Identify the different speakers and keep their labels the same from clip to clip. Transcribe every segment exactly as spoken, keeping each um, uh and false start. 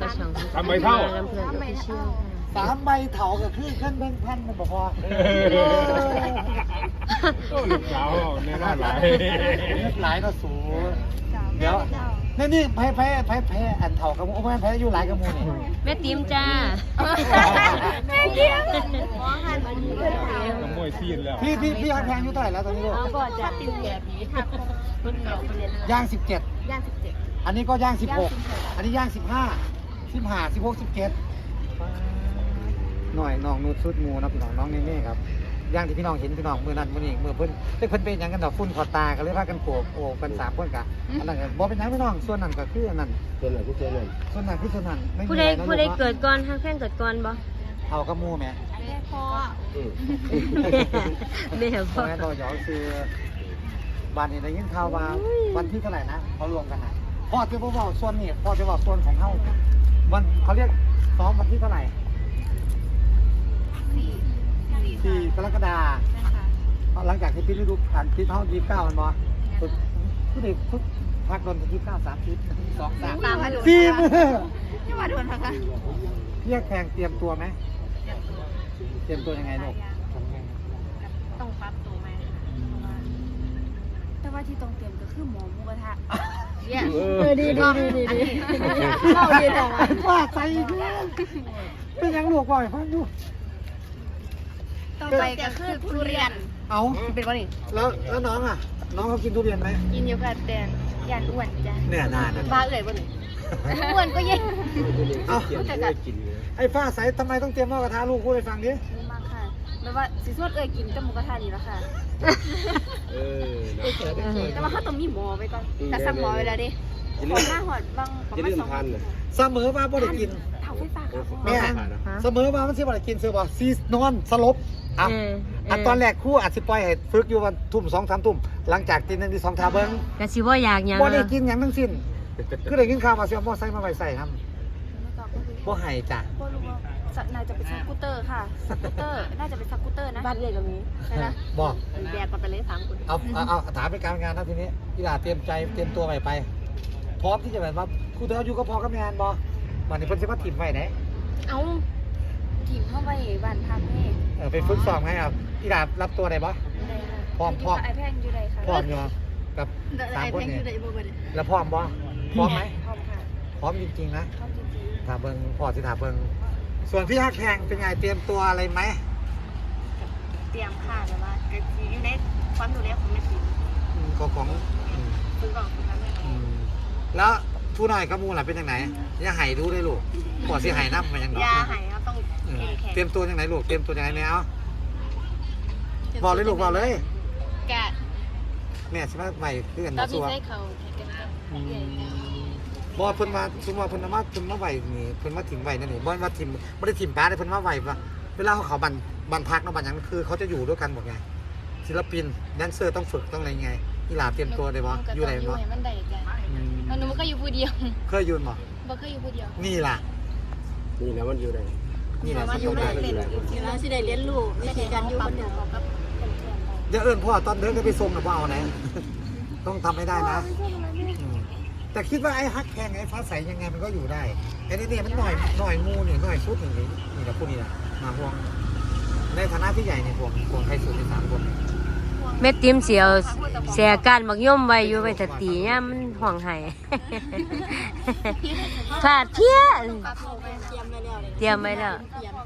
Speaker 1: ช่อง
Speaker 2: สามใบเท่า
Speaker 1: ลำเพลินออฟฟิเชียล
Speaker 3: สามใบเถากับคือขั้นแบงพันมันบอกว่า
Speaker 2: โอ้ลูกสาวแน่นอนหลาย
Speaker 3: หลายก็สูเดี๋ยวนี่นี่แพ้แพ้แพ้แพ้อันเถากับมูแพ้แพ้อยู่หลายกับมูนี่
Speaker 1: แม่ติ๋มจ้า
Speaker 4: แม่เกี้ยว
Speaker 2: ขโมยซีนแล้ว
Speaker 3: พี่พี่พี่ฮักแพงอยู่เท่าไหร่แล้วตอนนี้ลูก
Speaker 1: เอาก็จะติวแก่ผีทับคนเก่าไปเรียน
Speaker 3: ย่างสิบเจ็ด
Speaker 4: ย่างสิบเจ็ด
Speaker 3: อันนี้ก็ย่างสิบหกอันนี้ย่างสิบห้าสิบห้าสิบหกสิบเจ็ดหน่อยน้องนูดชุดมูนะพี่น้องน้องเน่ๆครับย่างที่พี่น้องเห็นพี่น้องมือนั้นมือนี้มือเพิ่นเพิ่นเพิ่นเป็นอย่างกันดอกฟุ้นขอตากันเลยพากันโขกโอ้กันสามคนกะอันนั้นก็บ่เป็นหยังพี่น้องส่วนนั้นก็คืออันนั้น
Speaker 2: ส่วนไหนก็ส่วนนั้น
Speaker 3: ส่วนนั้นคือส่วนนั้นไม่มี
Speaker 1: ผู้
Speaker 3: อะ
Speaker 1: ใด
Speaker 3: ไรนะ
Speaker 1: ผู้ใด
Speaker 3: ลูก
Speaker 1: เกิดก่อนฮักแพงเกิดก่อนบ่
Speaker 3: เอากระมูแหม่
Speaker 4: แม่พ่อ
Speaker 1: แม่
Speaker 3: เพ
Speaker 1: พ่อ
Speaker 3: ราะงั้นเราหยอกคือบ้านนี้ได้ยินข่าวว่าวันที่เท่าไหร่นะเขารวมกันนะพ่อจะบอกส่วนนี้พ่อจะบอกส่วนของเฮาวันเขาเรียกซ้อมวันที่เท่าไหร่
Speaker 4: สี่
Speaker 3: สี่กรกฎาคมหลังจากที่ปิดฤดูกาลปิดเฮายี่สิบเก้ามันบ่ผู้เด็กทุกพักโดนยี่สิบเก้าสามสิบสองสาม
Speaker 4: ตามมาดู
Speaker 3: สี่มือ
Speaker 4: ที่มาโดนนะคะ
Speaker 3: เรียกแพงเตรียมตัวไหมเตรียมตัวยังไงลูก
Speaker 4: ต้องปรับตัวไหมแต่ว่าที่ต้องเตรียมก็คือหมอหมูกระทะเนี่ย
Speaker 2: เออดีดีดีดี
Speaker 4: เราดีแต่ว่า
Speaker 3: ว่าใจอีกแล้วเป็นยังลูกบ่อยฟังดู
Speaker 4: ต่อไปก็คือทุเรียน
Speaker 3: เอา
Speaker 4: เป็นวันนี้
Speaker 3: แล้วแล้วน้องอ่ะ น้องเขากินทุเรียนไหม
Speaker 4: กินอยู่กับแดนยันอ้วนจ้ะ
Speaker 3: เนี่ยนานนะ
Speaker 4: บ้าเอ่ยบ่นี่อ้วนก็ยิ่ง
Speaker 3: เอา
Speaker 4: แต่กัด
Speaker 3: ไอ้ฟ้าใสทำไมต้องเตรียมหม้อกระทะลูกพูดให้ฟังดิ
Speaker 4: รู้มากค่ะไม่ว่าสิสวดเอ่ยกินกับหมูกระทะนี่แล้วค่ะ
Speaker 2: เออ
Speaker 4: แต่ว่าเขาต้องมีหมอไว้ก่อนแต่สั่งหมอไว้แล้วดิหมอหน้าหอดบางประมาณสองพัน
Speaker 3: เสมอมาบ่ได้กิน
Speaker 4: เท่าไฟฟ้าครับ
Speaker 3: แม่เสมอมามันสิบ่ได้กินซื้อบ่ซีนอนสลบอ่ะ
Speaker 1: เออ
Speaker 3: อันตอนแรกครู่อาจสิปล่อยให้ฝึกอยู่วันทุ่มสองสามทุ่มหลังจากตีหนึ่งตีสองทาเบิ้ง
Speaker 1: กะสิบ่อยากหยัง
Speaker 3: บ่ได้กินหยังทั้งสิ้นคือได้กินข้าวมาเสียมอไซค์มาไว้ใส่ครับ
Speaker 4: แล้วก็ก็คือ
Speaker 3: บ่ให้จ้ะ
Speaker 4: ก็รู้ว่าสัตว์น่าจะเป็นสกูตเตอร์ค่ะสกูตเตอร์ น่าจะเป็นสกูตเตอร์นะ
Speaker 1: บ้านเอ่ยก็มี
Speaker 4: ใช่ไหม
Speaker 3: บ่
Speaker 4: แบกกันไปเลยสามคน
Speaker 3: เอาเอาเอาถามเป็นการงานนะทีนี้อีหลาเตรียมใจเตรียมตัวไปไปพร้อมที่จะแบบว่าครูเธออยู่ก็พอกับงานบ่วันนี้เพิ่นสิมาถิ่มไว้ไหน
Speaker 4: เอาทีมเข้าไปบ้านพักนี่
Speaker 3: เออไปฝึกซ้อมให้ครับอีหลารับตัวได้บ่
Speaker 4: ได้ค่ะ
Speaker 3: พร้อมพร้อม
Speaker 4: ไอแพงอยู่ใดค่ะ
Speaker 3: พร้อมอยู่กับสาม
Speaker 4: ไอ
Speaker 3: คน
Speaker 4: แพงอ
Speaker 3: นี่
Speaker 4: ยู่ใดบ่บ่ได้
Speaker 3: แล้วพร้อมบ่พร้อมไหม
Speaker 4: พร้อมค่ะ
Speaker 3: พร้อมจริงๆนะ
Speaker 4: พร้อมจริง
Speaker 3: ถามเบิงพอสิถามเบิงส่วนพี่ฮักแพงเป็นไงเตรียมตัวอะไรไหม
Speaker 4: ๆเตรียมค่ะแต่ว่าก็คืออยู่ในความดูแลของแม่ทีม
Speaker 3: อืมของของอืม
Speaker 4: ซึ่งก่อนคือทำให้
Speaker 3: อืมแล้วผู้น้อยกับหมูล่ะเป็นยังไงอย่าไห้ดูได้ลูกปอดสิไห้น้ำมันยังดอก
Speaker 4: ยาหายเราต้อง
Speaker 3: เออ
Speaker 4: แข็ง
Speaker 3: เตรียมตัวยังไงลูกเตรียมตัวยังไงแมวบอกเลยลูกบอกเลย
Speaker 4: แกะ
Speaker 3: แม่ใช่ไหมใหม่คือกัน
Speaker 4: ตอ
Speaker 3: มาน สั
Speaker 4: นี้
Speaker 3: ว
Speaker 4: ใช้เขาแข็งกัน
Speaker 3: อืมบอกเพิ่นมาสมมติว่าเพิ่นเอามาเพิ่นมาไหวนี่เพิ่นมาถิ่มไหวนั่นนี่บ่มาถิ่มบ่ได้ถิ่มป้าได้เพิ่นมาไหวว่าเวลาเขาเขาบันบันพักเนาะบันหยังคือเขาจะอยู่ด้วยกันหมดไงศิลปินแดนเซอร์ต้องฝึกต้องอะไรไงอีหลาเตรียมตัวได้บ่อยู่ไหนบ่
Speaker 4: มันได้จ้ะ
Speaker 3: อืม
Speaker 4: มันหนูก็อยู่ผู้เดียว
Speaker 3: เคยยืนบ่
Speaker 4: บ่เคยอยู่ผู้เดียว
Speaker 3: นี่ล่ะ
Speaker 2: นี่นะมันอยู่ไหน
Speaker 3: นี่ล่ะ
Speaker 4: มา
Speaker 3: สิ
Speaker 4: อยู่
Speaker 3: ต้อง
Speaker 4: ใน
Speaker 3: ได้
Speaker 4: เล่นอยู่แล้วสิได้เรียนรู้วิธีการอยู่คนเดียวกับเพื่อนๆ
Speaker 3: อย่าเอิ้นพ่อตอนเดินก็ไปส่งนะพ่อเอาไหน ต้องทำให้ได้นะอืมแต่คิดว่าไอ้ฮักแข่งไอ้ฟ้าใสยังไงมันก็อยู่ได้ไอ้นี่เนี่ยมันหน่อยหน่อยงูนี่หน่อยชุดอย่างนี้นี่แหละพวกนี้แหละมาห่วงในฐานะที่ใหญ่เนี่ยห่วงห่วงใครสุดในสามคน
Speaker 1: แม่ติ๋มเสียวเสียการบักย่อมไว้อยู่ไว้ถ้าตีเนี่ยามมันห่วงไห้ ขาดเพี้ยเตรียมไว้แล้ว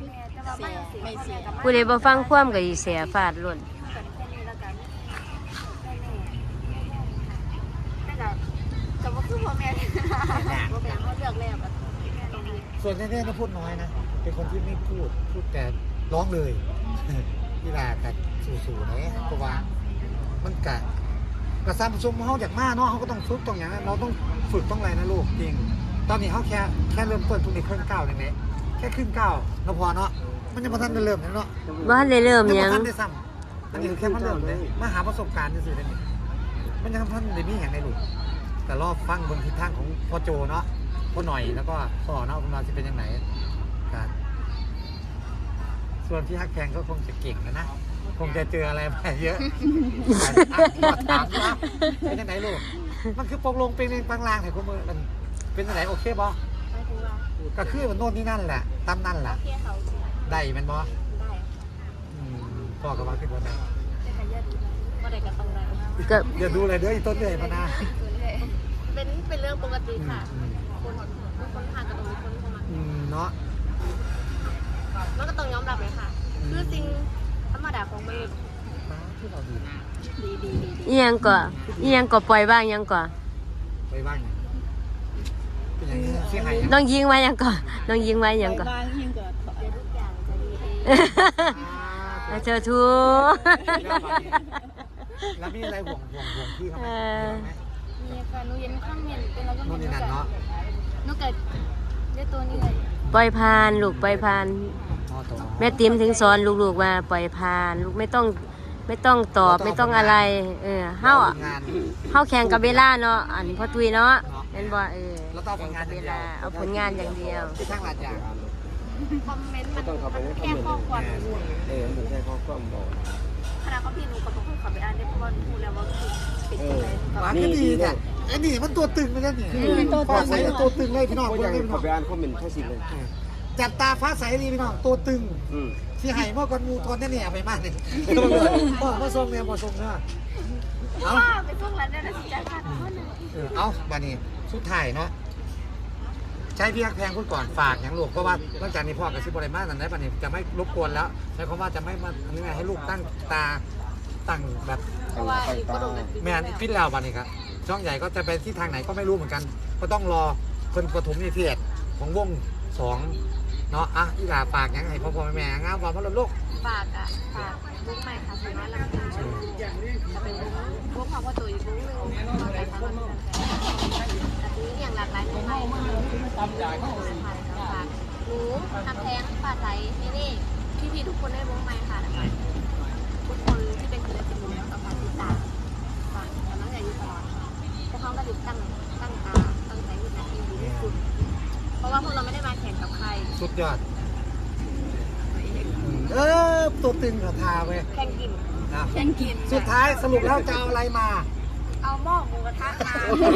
Speaker 1: ผู้ใดบ่ฟังความก็สิเสียฟาดล้น
Speaker 4: แต่ว่าคือพ่อแม่พ่อแม่เขาเลือกแล้วแบบ
Speaker 3: ส่วนแน่ๆนะพูดน้อยนะเป็นคนที่ไม่พูดพูดแต่ร้องเลย กีฬากับสู่ๆเนี่ยเพราะว่ามันกะกระซ้ำซุ่มเขาอยากมาเนาะเขาก็ต้องฝึกต้องอย่างนั้นเราต้องฝึกต้องอะไรนะลูกจริงตอนนี้เขาแค่แค่เริ่มต้นทุนในครึ่งก้าวเองเนี่ยแค่ครึ่งก้าวเราพอเนาะมันยังไม่ทันได้เริ่มเลยเนาะ
Speaker 1: บ่ทันได้เริ่มห
Speaker 3: ยั
Speaker 1: ยัง
Speaker 3: ไม่ทันได้ซ้ำอันนี้คือแค่มาเริ่มเลยมาหาประสบการณ์ซื่อๆเลยนี่มันยังทันได้มีอย่างในลูกแต่รอบฟังบนทิศทางของพ่อโจเนาะพ่อหน่อยแล้วก็พ่อเนาะมันจะเป็นยังไงการส่วนที่ฮักแพงก็คงจะเก่งนะนะคงจะเจออะไรมาเยอะถามนะเป็นยังไงลูกมันคือปกลงเป็นเองบางลางแต่คุณมือมันเป็นยังไงโอเคบ่
Speaker 4: หมายถึงว่า
Speaker 3: อก็คือมันโน่นนี่นั่นแหละตามนั่นแหละ
Speaker 4: เที่ยวเขาสิ
Speaker 3: ได้แมันบ่
Speaker 4: ได้
Speaker 3: อืมพ่อก็ว่าขึ้นบนได้
Speaker 4: ได้กันเยอะดีว่าได้กันตรงไหน
Speaker 1: ก็
Speaker 3: อย่าดูเลยเด้ออีต้นเลยพะนา
Speaker 4: เป็นเป็นเรื่องปกติ
Speaker 3: อืม
Speaker 4: ค่ะ
Speaker 3: อืม
Speaker 4: คนคนทางกับตรงนี้คนเข้ามา
Speaker 3: อืมเนาะ
Speaker 4: มันก็ต้องยอมรับเลยค่ะ คือสิ่งธรรมดาของมนุษย์
Speaker 3: ฟ้าที่เราดี
Speaker 4: ดีดีดีดี
Speaker 1: อีหยังก่ออีหยังก่อปล่อยบ้างยังก่อ
Speaker 3: ไปบ้างเป็นอย่างนี้เสียหาย
Speaker 1: น้องยิงไว้ยังก่อน้องยิงไว้ยังก่อ
Speaker 4: เดี๋ยวทุกอย่างจะดีเอง
Speaker 1: แล้วเจอทู
Speaker 3: แล้วมีอะไรห่วงห่วงห่วงพี่เขาไหม
Speaker 1: เออ
Speaker 4: มีค่ะหนูเย็นข้างเมียนเป็นแล้วก็
Speaker 3: โน่นนี่นั่นเนาะ
Speaker 4: หนูเกิดด้วยตัวนี้เลย
Speaker 1: ปล่อยผ่านลูกปล่อยผ่าน
Speaker 3: อ๋อตัว
Speaker 1: แม่ติ๋มถึงสอนลูกๆว่าปล่อยผ่าน ลูกไม่ต้องไม่ต้องตอบไม่ต้องอะไร เออเฮาอะ
Speaker 3: งาน
Speaker 1: เฮาแข่งกับเวลาเนาะอันพ่อตุยเนาะเห็นบ่เออ
Speaker 3: แล้วต้อง
Speaker 1: แข่ง
Speaker 3: ผลงา
Speaker 1: กัน บ
Speaker 3: อย่าง
Speaker 1: เว
Speaker 3: เดียว
Speaker 1: ลาเอาผลงานอย่างเดียว
Speaker 3: ที่ข้างหลัดอย่าง
Speaker 4: คอมเมนต์มันแค่ข้อความ
Speaker 2: เออมันใช่ข้อความบอก
Speaker 4: ขณะเขาพี่หนูก็ต้องเข้าไปอ่านได้เพราะว่าหนูรู้แล้วว่าคือติดยังไง
Speaker 3: หวานก็ดีเนี่ยไอ้นี่มันตัวตึงเลยนะเนี่ยฟ้าใสตัวตึงเลยพี่น้อง
Speaker 2: ก็
Speaker 3: คน
Speaker 2: ยัง
Speaker 3: นี้พี่น้
Speaker 2: เขา
Speaker 3: อง
Speaker 2: ไปอ่านคอมเมนต์แค่สิบเลย
Speaker 3: จับตาฟ้าใสดีพี่น้องตัวตึง
Speaker 2: อืม
Speaker 3: ที่ไห่เมื่อก่อนงูทนเนี่ยไปมากเลยพ่อพ่อทรงเนี่ยพ่อทรงเนาะเอา
Speaker 4: ว่าไปพวกร้านได้แล้วสิจ้าค่ะทุกคนเลย
Speaker 3: เออเอาบานี้สุดท้ายเนาะใช้พี่ฮักแพงพูดก่อนฝากอย่างลูกเพราะว่าหลังจากนี้พ่อกับซิบริมานั่นได้บานี้จะไม่รบกวนแล้วใช้คำว่าจะไม่มาทำยังไงให้ลูกตั้งตาตั้งแบบ
Speaker 4: เพราะว่าอยู่ก็โดนกัน
Speaker 3: แมนพิษแล้วบานี้ครับช่องใหญ่ก็จะไปที่ทางไหนก็ไม่รู้เหมือนกัน ก็ต้องรอคนปฐมนิเทศของวงสองเนาะอ่ะอีหลาฝากยังไงพ่อพ่อแม่แม่งามความพระลูก
Speaker 4: ฝากอ่ะฝากบุ๊กใหม่ค่ะสวยน้อยลำพูนจะเป็นบุ๊กความว่าตัวอีกบุ๊กหนึ่งเราแต่สามารถแต่ทีนี้อย่างหลากหลายมุมไปฝากหนูทำแท้งปลาไหลนี่นี่พี่พี่ทุกคนได้บุ๊กใหม่ค่ะนะคะทุกคนที่เป็นศิลปินแล้วก็ฝากติดตามฝากกำลังใจอยู่ตลอดพวกเขาก็ติดตั้งตั้งตาตั้งใจที่จะดีที่สุดเพราะว่าพวกเราไม่ได้มาแข่งกับใคร
Speaker 3: สุดยอดเออตัวตึงเขาทาไป
Speaker 4: แข่งกิน
Speaker 3: นะ
Speaker 4: แข่งกิน
Speaker 3: สุดท้ายสรุปแล้วจะเอาอะไรมา
Speaker 4: เอาหม้อหมูกระทะมา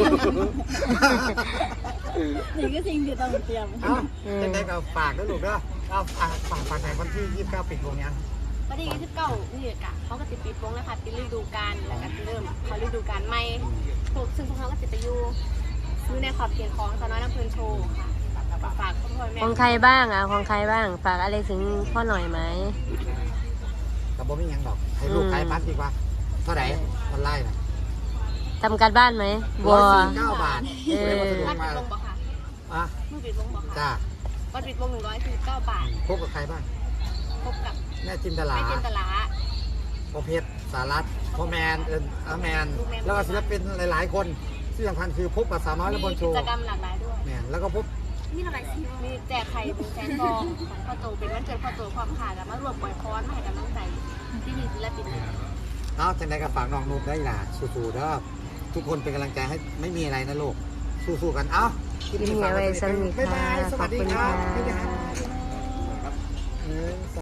Speaker 4: นี่ก็สิ่งที่ต้องเตรียม
Speaker 3: เอาเด็กๆเอาฝากด้วยลูกเด้อเอาฝากฝากฝากในวันที่ยี่สิบเก้าปิดวงยัง
Speaker 4: วันที่ยี่สิบเก้านี่กะเขาก็ติดปิดวงนะคะปิดฤดูกาลแล้วก็เริ่มเขาฤดูกาลใหม่พวกซึ่งพวกเขาก็ติดไปอยู่อยู่ในขอบเขตของสาวน้อยน้ำเพลินโชว์ค่ะฝากพ่อพ่อแม่
Speaker 1: ของใครบ้างอ่ะของใครบ้างฝากอะไรถึงพ่อหน่อยไหม
Speaker 3: กับบ่มีหยังดอกให้ลูกขายพัดดีกว่าเท่าไหร่มันไล่นะ
Speaker 1: ทำการบ้านไหมบั
Speaker 3: ร้
Speaker 1: ว
Speaker 3: อยสี่สิบเก้าบาท
Speaker 1: เออ
Speaker 3: เลยมาสะดว
Speaker 4: วั
Speaker 3: ก
Speaker 4: ด
Speaker 3: มา
Speaker 4: ปิดวงบอกค่ะ
Speaker 3: อ่ะ
Speaker 4: มือปิดวงบอกค่ะ
Speaker 3: จ้า
Speaker 4: วัดปิดวงหนึ่งร้อยสี่สิบเก้าบาท
Speaker 3: พบกับใครบ้าง
Speaker 4: พบกับ
Speaker 3: แม่จินตลา
Speaker 4: แม่จินตลา
Speaker 3: พ่อเพชรสารัตพ่อแมนเอิญอาแมน แล้วก็ศิลปินหลายๆ คนที่สำคัญคือพบกับสาวน้อยและบนโช
Speaker 4: มี
Speaker 3: ว์
Speaker 4: กิจกรรมหลากหลายด้วย
Speaker 3: แมนแล้วก็พบ
Speaker 4: มีอะไรสิมีแจกไข่เป็นแสนฟองของพ่อโตเป็นวันเกิดพ่อโตความขาดแล้วมารวมปล่อยคอนมาให้กำลังใจที่มีศิลปิน
Speaker 3: เอาจังไดกับฝากน้องนุ๊กได้ล่ะสู้ๆเด้อทุกคนเป็นกำลังใจให้ไม่มีอะไรนะลูกสู้ๆกันเอ้าคลิปนี้ฝากไว้สำหรับบ๊ายบายสวัสดีครับ
Speaker 1: ขอบคุณค่ะ
Speaker 3: บ๊ายบายครับ